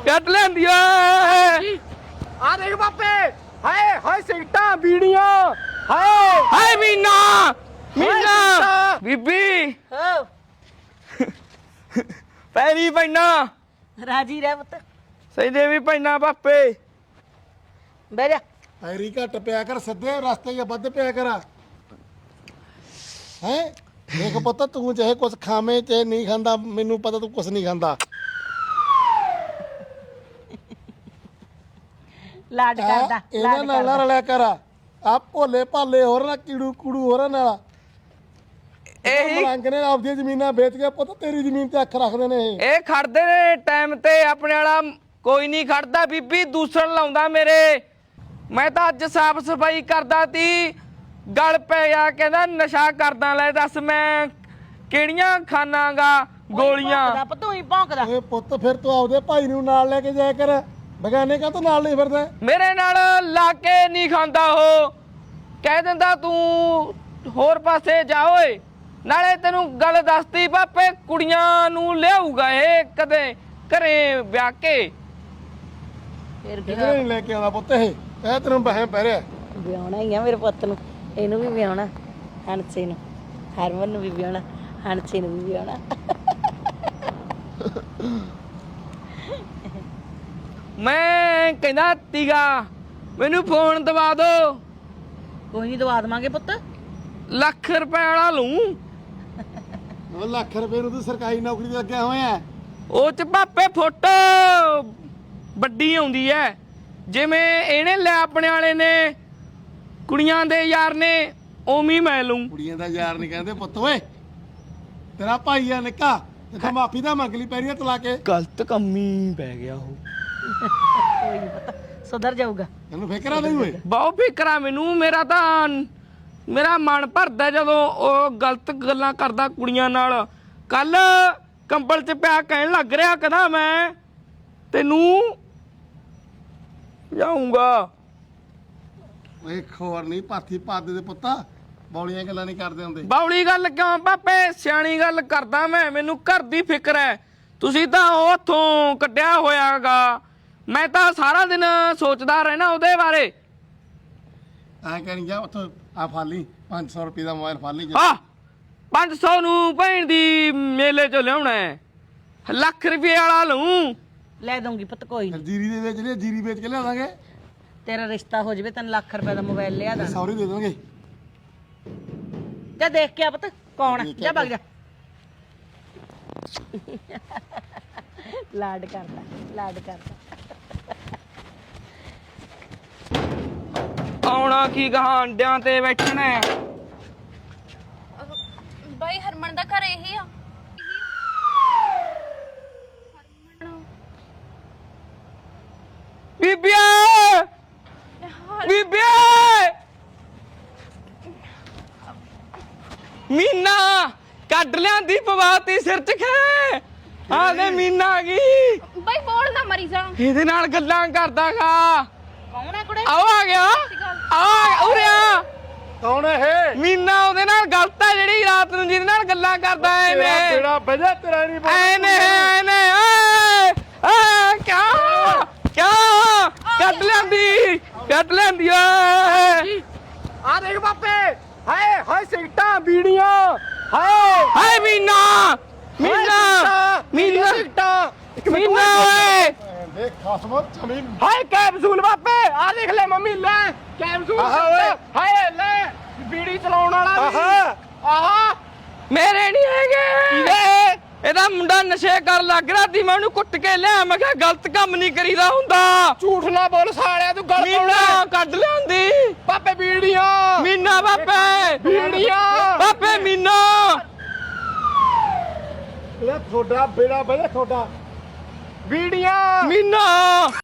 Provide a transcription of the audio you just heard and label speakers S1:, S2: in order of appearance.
S1: ਕੱਢ ਲੈਂਦੀ ਓਏ
S2: ਆ ਦੇਖ ਬਾਪੇ ਹਾਏ ਹਾਏ ਸਿਗਟਾਂ ਬੀੜੀਆਂ ਹਾਏ
S1: ਹਾਏ ਮੀਨਾ ਮੀਨਾ
S2: ਸਿਗਟਾਂ।
S1: ਬੀਬੀ
S3: ਹੋ
S1: ਪੈਰੀ ਪੈਣਾ
S3: ਰਾਜੀ ਰਹਿ ਪੁੱਤ
S1: ਸਹੀ ਦੇਵੀ ਪੈਣਾ ਬਾਪੇ
S3: ਬਹਿ ਜਾ
S4: ਐਰੀ ਘੱਟ ਪਿਆ ਕਰ ਸਿੱਧੇ ਰਸਤੇ 'ਚ ਵੱਧ ਪਿਆ ਕਰ ਹੈ ਦੇਖ ਪੁੱਤ ਤੂੰ ਚਾਹੇ ਕੁਛ ਖਾਵੇਂ ਚਾਹੇ ਨਹੀਂ ਖਾਂਦਾ ਮੈਨੂੰ ਪਤਾ ਤੂੰ ਕੁਛ ਨਹੀਂ ਖਾਂਦਾ
S3: ਲਾਡ ਕਰਦਾ
S4: ਇਹਨਾਂ
S3: ਲਾਡ
S4: ਨਾਲ ਨਾ
S3: ਕਰਦਾ
S4: ਰਲਿਆ ਕਰ ਆ ਭੋਲੇ ਭਾਲੇ ਹੋਰ ਨਾ ਕੀੜੂ ਕੂੜੂ ਹੋਰਾਂ ਨਾਲ
S1: ਇਹੀ
S4: ਮਲੰਗ ਨੇ ਆਪਦੀਆਂ ਜ਼ਮੀਨਾਂ ਵੇਚ ਕੇ ਪੁੱਤ ਤੇਰੀ ਜ਼ਮੀਨ ਤੇ ਅੱਖ ਰੱਖਦੇ ਨੇ
S1: ਇਹ ਖੜਦੇ ਨੇ ਟਾਈਮ ਤੇ ਆਪਣੇ ਵਾਲਾ ਕੋਈ ਨਹੀਂ ਖੜਦਾ ਬੀਬੀ ਦੂਸਣ ਲਾਉਂਦਾ ਮੇਰੇ ਮੈਂ ਤਾਂ ਅੱਜ ਸਾਫ ਸਫਾਈ ਕਰਦਾ ਤੀ ਗਲ ਪੈ ਗਿਆ ਕਹਿੰਦਾ ਨਸ਼ਾ ਕਰਦਾ ਲੈ ਦੱਸ ਮੈਂ ਕਿਹੜੀਆਂ ਖਾਣਾਗਾ ਗੋਲੀਆਂ
S3: ਤੂੰ ਹੀ ਭੌਂਕਦਾ
S4: ਓਏ ਪੁੱਤ ਫਿਰ ਤੂੰ ਆਪਦੇ ਭਾਈ ਨੂੰ ਨਾਲ ਲੈ ਕੇ ਜਾਇਆ ਕਰ ਬਗਾਨੇ ਕਾ ਤੂੰ ਨਾਲ ਨਹੀਂ ਫਿਰਦਾ
S1: ਮੇਰੇ ਨਾਲ ਲਾ ਕੇ ਨਹੀਂ ਖਾਂਦਾ ਉਹ ਕਹਿ ਦਿੰਦਾ ਤੂੰ ਹੋਰ ਪਾਸੇ ਜਾ ਓਏ ਨਾਲੇ ਤੈਨੂੰ ਗੱਲ ਦੱਸਤੀ ਬਾਪੇ ਕੁੜੀਆਂ ਨੂੰ ਲਿਆਊਗਾ ਇਹ ਕਦੇ ਘਰੇ ਵਿਆਹ ਕੇ
S3: ਫਿਰ ਕੀ
S4: ਕਿਧਰੇ ਨਹੀਂ ਲੈ ਕੇ ਆਉਂਦਾ ਪੁੱਤ ਇਹ ਤੈਨੂੰ ਬਹਿਮ ਪੈ ਰਿਹਾ
S3: ਵਿਆਹਣਾ ਹੀ ਆ ਮੇਰੇ ਪੁੱਤ ਨੂੰ ਇਹਨੂੰ ਵੀ ਵਿਆਹਣਾ ਹਣਸੇ ਨੂੰ ਹਰਮਨ ਨੂੰ ਵੀ ਵਿਆਹਣਾ ਹਣਸੇ ਨੂੰ ਵੀ ਵਿਆਹਣਾ
S1: ਮੈਂ ਕਹਿੰਦਾ ਤੀਗਾ ਮੈਨੂੰ ਫੋਨ ਦਵਾ ਦੋ
S3: ਕੋਈ ਨਹੀਂ ਦਵਾ ਦੇਵਾਂਗੇ ਪੁੱਤ
S1: ਲੱਖ ਰੁਪਏ ਵਾਲਾ ਲੂੰ
S4: ਉਹ ਲੱਖ ਰੁਪਏ ਨੂੰ ਤੂੰ ਸਰਕਾਰੀ ਨੌਕਰੀ ਤੇ ਲੱਗਿਆ ਹੋਇਆ
S1: ਉਹ ਚ ਭਾਪੇ ਫੋਟੋ ਵੱਡੀ ਆਉਂਦੀ ਐ ਜਿਵੇਂ ਇਹਨੇ ਲੈ ਆਪਣੇ ਵਾਲੇ ਨੇ ਕੁੜੀਆਂ ਦੇ ਯਾਰ ਨੇ ਉਵੇਂ ਮੈਂ ਲੂੰ
S4: ਕੁੜੀਆਂ ਦਾ ਯਾਰ ਨਹੀਂ ਕਹਿੰਦੇ ਪੁੱਤ ਓਏ ਤੇਰਾ ਭਾਈ ਆ ਨਿੱਕਾ ਤੇ ਮਾਫੀ ਦਾ ਮੰਗ ਲਈ ਪੈਰੀਆਂ ਤਲਾ ਕੇ
S1: ਗਲਤ ਕੰਮੀ ਪੈ ਗਿਆ ਉਹ
S3: ਕੋਈ ਨਹੀਂ ਪੁੱਤ ਸੁਧਰ ਜਾਊਗਾ
S4: ਤੈਨੂੰ ਫਿਕਰਾ ਨਹੀਂ ਹੋਏ
S1: ਬਹੁਤ ਫਿਕਰਾ ਮੈਨੂੰ ਮੇਰਾ ਮਨ ਭਰਦਾ ਜਦੋਂ ਉਹ ਗਲਤ ਗੱਲਾਂ ਕਰਦਾ ਕੁੜੀਆਂ ਨਾਲ ਕੱਲ ਕੰਬਲ 'ਚ ਪਿਆ ਕਹਿਣ ਲੱਗ ਰਿਹਾ ਕਹਿੰਦਾ ਮੈਂ ਤੈਨੂੰ ਜਾਊਂਗਾ
S4: ਓਏ ਖੋਰ ਨਹੀਂ ਪਾਥੀ ਪਾ ਦੇ ਪੁੱਤਾ ਬੌਲੀਆਂ ਗੱਲਾਂ ਨਹੀਂ ਕਰਦੇ ਹੁੰਦੇ
S1: ਬਾਉਲੀ ਗੱਲ ਕਿਉਂ ਪਾਪੇ ਸਿਆਣੀ ਗੱਲ ਕਰਦਾ ਮੈਨੂੰ ਘਰ ਦੀ ਫਿਕਰ ਹੈ ਤੁਸੀਂ ਤਾਂ ਉੱਥੋਂ ਕੱਢਿਆ ਹੋਇਆਗਾ ਮੈਂ ਤਾਂ ਸਾਰਾ ਦਿਨ ਸੋਚਦਾ ਰਹਿਣਾ ਉਹਦੇ ਬਾਰੇ
S4: ਐ ਕਹਿਣੀ ਜਾ ਉੱਥੋਂ ਆ ਫਾਲੀ 500 ਰੁਪਏ ਦਾ ਮੋਬਾਈਲ ਫਾਲੀ ਜਾ
S1: ਹਾਂ 500 ਨੂੰ ਭੈਣ ਦੀ ਮੇਲੇ 'ਚੋਂ ਲਿਆਉਣਾ ਹੈ ਲੱਖ ਰੁਪਏ ਵਾਲਾ ਲਊਂ
S3: ਲੈ ਦਊਂਗੀ ਪੁੱਤ ਕੋਈ
S4: ਫਿਰ ਜੀਰੀ ਦੇ ਵੇਚ ਲਿਆ ਜੀਰੀ ਵੇਚ ਕੇ ਲਿਆ ਦਾਂਗੇ
S3: ਤੇਰਾ ਰਿਸ਼ਤਾ ਹੋ ਜਾਵੇ ਤੈਨੂੰ ਲੱਖ ਰੁਪਏ ਦਾ ਮੋਬਾਈਲ ਲਿਆ ਦਾਂ
S4: ਸੌਰੀ ਦੇ ਦਾਂਗੇ
S3: ਜਾ ਦੇਖ ਕੇ ਆ ਪੁੱਤ ਕੌਣ ਆ ਜਾ ਭੱਗ ਜਾ ਲਾਡ ਕਰਦਾ ਲਾਡ ਕਰਦਾ
S1: ਆਉਣਾ ਕੀ ਗਾਂ ਅੰਡਿਆਂ ਤੇ ਬੈਠਣਾ ਹੈ।
S5: ਬਾਈ ਹਰਮਨ ਦਾ ਘਰ ਇਹੀ ਆ
S1: ਬੀਬੀਆ ਬੀਬੀਆ ਮੀਨਾ ਕੱਢ ਲਿਆਂਦੀ ਪਵਾਤੀ ਸਿਰ 'ਚ ਖੇ ਆ ਦੇ ਮੀਨਾ ਆ ਗਈ
S5: ਬਾਈ ਬੋਲ ਨਾ ਮਰੀ ਜਾ
S1: ਇਹਦੇ ਨਾਲ ਗੱਲਾਂ ਕਰਦਾਗਾ
S3: ਕੌਣ ਆ ਕੁੜੇ
S1: ਆਓ ਆ ਗਿਆ ਉਰੇ ਆ
S4: ਕੌਣ ਹੈ
S1: ਮੀਨਾ ਉਹਦੇ ਨਾਲ ਗਲਤ ਹੈ ਜਿਹੜੀ ਰਾਤ ਨੂੰ ਜਿਹਦੇ ਨਾਲ ਗੱਲਾਂ ਕਰਦਾ ਐ ਨੇ
S4: ਤੇਰਾ ਵਜਾ ਤੇਰਾ ਨਹੀਂ
S1: ਐਨੇ ਕਿਆ ਕੱਢ ਲੈਂਦੀ ਓਏ
S2: ਆ ਦੇਖ ਬਾਪੇ ਹਾਏ ਹਾਏ ਸਿਗਟਾਂ ਬੀੜੀਆਂ ਹਾਏ
S1: ਹਾਏ ਮੀਨਾ
S2: ਸਿਗਟਾਂ
S1: ਮੀਨਾ ਓਏ
S4: ਦੇਖ ਖਸਮ ਜ਼ਮੀਨ
S2: ਹਾਏ ਕੈਪਸੂਲ ਬਾਪੇ ਆ ਦੇਖ ਲੈ ਮੰਮੀ ਲੈ ਕੈਪਸੂਲ ਹਾਏ ਲੈ ਬੀੜੀ ਚਲਾਉਣ ਵਾਲਾ ਆਹਾ
S1: ਮੇਰੇ ਨਹੀਂ ਹੈਗੇ ਇਹਦਾ ਮੁੰਡਾ ਨਸ਼ੇ ਕਰ ਲੱਗ ਰਿਹਾ ਸੀ ਮੈਂ ਉਹਨੂੰ ਕੁੱਟ ਕੇ ਲਿਆ ਮੈਂ ਕਿਹਾ ਗਲਤ ਕੰਮ ਨਹੀਂ ਕਰੀਦਾ ਹੁੰਦਾ
S2: ਝੂਠ ਨਾ ਬੋਲ ਸਾਲਿਆ ਤੂੰ ਗੱਲ
S1: ਮੀਨਾ ਕੱਢ ਲਿਆਂਦੀ
S2: ਬਾਪੇ ਬੀੜੀਆਂ
S1: ਮੀਨਾ ਬਾਪੇ
S2: ਬੀੜੀਆਂ
S1: ਬਾਪੇ ਮੀਨਾ
S4: ਇਹ ਤੁਹਾਡਾ ਬੇੜਾ ਵਜਾ ਤੁਹਾਡਾ
S2: ਬੀੜੀਆਂ
S1: ਮੀਨਾ